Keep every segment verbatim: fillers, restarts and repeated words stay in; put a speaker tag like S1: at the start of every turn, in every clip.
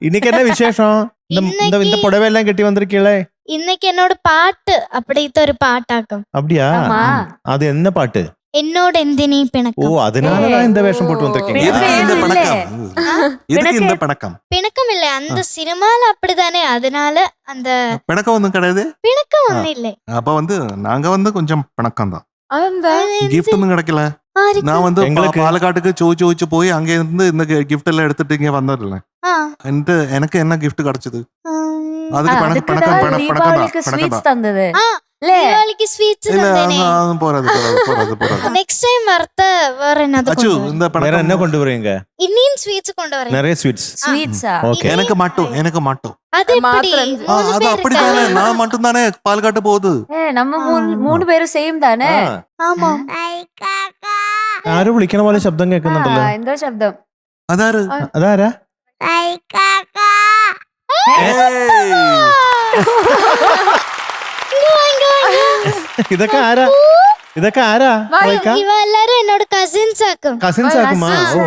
S1: இன்னைக்கு என்ன விசேஷம்? இந்த இந்த புடவையெல்லாம் கட்டி வந்திருக்கீங்களே.
S2: இன்னைக்கு என்னோட பாட்டு அப்படித்த ஒரு பாட்டாக்கும்.
S1: அப்படியா? அது என்ன பாட்டு?
S2: என்னோட എന്തിനീ പിണക്കം.
S1: ஓ, அதனாலதான் இந்த வேஷம் போட்டு வந்திருக்கீங்க.
S3: எதுக்கு இந்த பணக்கம்? எதுக்கு இந்த பணக்கம்?
S2: பிணக்கம் இல்ல, அந்த சினிமால அப்படிதானே, அதனால அந்த
S3: பிணக்கம் ஒன்றும் கிடையாது.
S2: பிணக்கம் ஒன்னும் இல்லை.
S3: அப்ப வந்து நாங்க வந்து கொஞ்சம் பிணக்கம் தான்.
S4: അതെന്താ?
S3: ഗിഫ്റ്റ് ഒന്നും കിടക്കില്ല. ഞാൻ വന്ന് പാലക്കാട്ടേക്ക് ചോദിച്ചു ചോദിച്ചു പോയി അങ്ങേ ഇருந்து இந்த கிஃப்ட் எல்லாம் எடுத்துட்டு இங்க வந்ததில்ல. എന്നിട്ട് எனக்கு என்ன கிஃப்ட் கிடைச்சது? அதுக்கு பணக்கம் பணக்கம் பணக்கம்
S5: ஸ்வீட்ஸ் தந்தது.
S2: தீபாவளிக்கு ஸ்வீட்ஸ் தந்தேனே.
S3: இல்ல போறது போறது போறது போறது.
S2: நெக்ஸ்ட் டைம் வரத வேற என்னது
S3: அச்சு
S2: கொண்டு
S3: இந்த
S1: வேற என்ன கொண்டு வரீங்க?
S2: இன்னின் ஸ்வீட்ஸ் கொண்டு வரேன்.
S1: நிறைய ஸ்வீட்ஸ்.
S5: ஸ்வீட்ஸா?
S1: ஓகே.
S3: எனக்கு மட்டும் எனக்கு மட்டும்.
S2: அது எப்படி?
S3: அது அப்படிதானே, நான் மட்டும் தானே பால்காட்டு போகுது.
S5: ഏ നമ്മ മൂന്ന് പേരും സെയിം താനേ.
S2: ആമോ.
S1: ആരും വിളിക്കണ പോലെ ശബ്ദം കേൾക്കുന്നുണ്ടല്ലോ.
S5: എന്തോ ശബ്ദം.
S3: അതാര്?
S1: അതാരാ? ഇതൊക്കെ ആരാ? ഇതൊക്കെ ആരാ?
S2: ഇവ എല്ലാരും എന്നോട് കസിൻസ് ആക്കും.
S1: കസിൻസ് ആക്കുമാ? ഓ,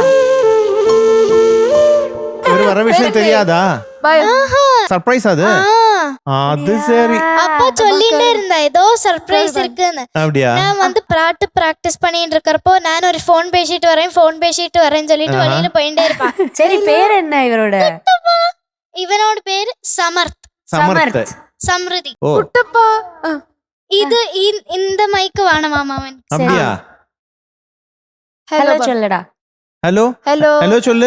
S1: ഒരു വர விஷயம் தெரியாதா? சர்ப்ரைஸ் அது. அது சரி.
S2: அப்பா சொல்லிட்டே இருந்தா ஏதோ சர்ப்ரைஸ் இருக்குன்னு.
S1: அப்படியா?
S2: நான் வந்து பாட்டு பிராக்டிஸ் பண்ணிட்டு இருக்கறப்போ நான் ஒரு ஃபோன் பேசிட்டு வரேன் ஃபோன் பேசிட்டு வரேன்னு சொல்லிட்டு வெளியில போயிட்டே இருப்பான்.
S5: சரி, பேர் என்ன இவரோட?
S2: இவனோட பேர் சமர்த்.
S1: സമർത്ത്.
S2: സമൃദ്ധി.
S1: ഓ,
S4: കുട്ടപ്പാ.
S2: ഇത് ഈ- இந்த மைக்கு வேணுமா மாமன்?
S1: அப்படியா?
S5: ഹലോ ചൊല്ലടാ.
S1: Hello
S4: hello.
S1: ഹലോ ചൊല്ല്.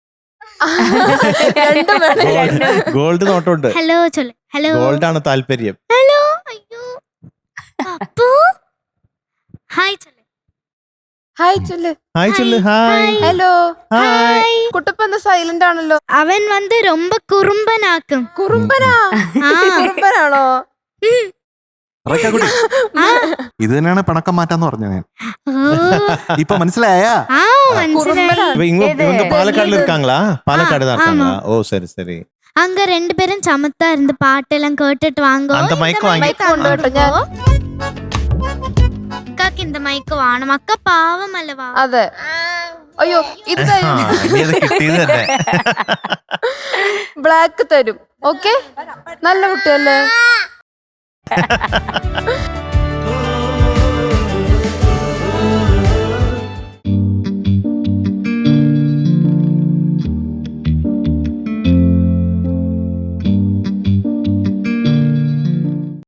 S4: രണ്ടും വേണം.
S1: ഗോൾഡ് നോട്ടുണ്ട്.
S2: ഹലോ ചൊല്ല്. ഹലോ.
S1: ഗോൾഡ് ആണ് താല്പര്യം.
S2: ഹലോ. അയ്യോ. അപ്പു. ഹായ് ചൊല്ല്.
S4: ഹായ് ചൊല്ല്.
S1: ഹായ് ചൊല്ല്. ഹായ്.
S4: ഹലോ.
S1: ഹായ്.
S4: കുട്ടപ്പ എന്താ സൈലന്റ് ആണല്ലോ?
S2: അവൻ വന്ന് ரொம்ப കുറുമ്പനാക്കും.
S4: കുറുമ്പനാ? കുറുമ്പനാണോ?
S3: റെക്കോർഡ്. ഇത് തന്നെയാണ് പിണക്കം മാറ്റാന്ന് പറഞ്ഞത് ഞാൻ. ഇപ്പൊ മനസ്സിലായ?
S2: ആ മനസ്സിലായി.
S1: ഇവ ഇങ്ങ ഇവங்க பாலக்காடுல இருக்காங்களா? பாலக்காடு தான் இருக்காங்களா? ஓ, சரி சரி.
S2: அங்க ரெண்டு பேரும் சமத்தா இருந்து பாட்டெல்லாம் கேட்டுட்டு வாங்க.
S1: அந்த மைக் வாங்கி
S4: കൊണ്ടുപോട്ടെ ഞാൻ.
S2: അക്കാക്ക് இந்த மைക്ക് വേണം. അക്ക പാവമല്ലവാ.
S4: അതെ. അയ്യോ, ഇത്
S1: ആ, നീ അത് കിട്ടിയത് തന്നെ.
S4: ബ്ലാക്ക് തരും. ഓക്കെ, നല്ല കുട്ടിയല്ലേ?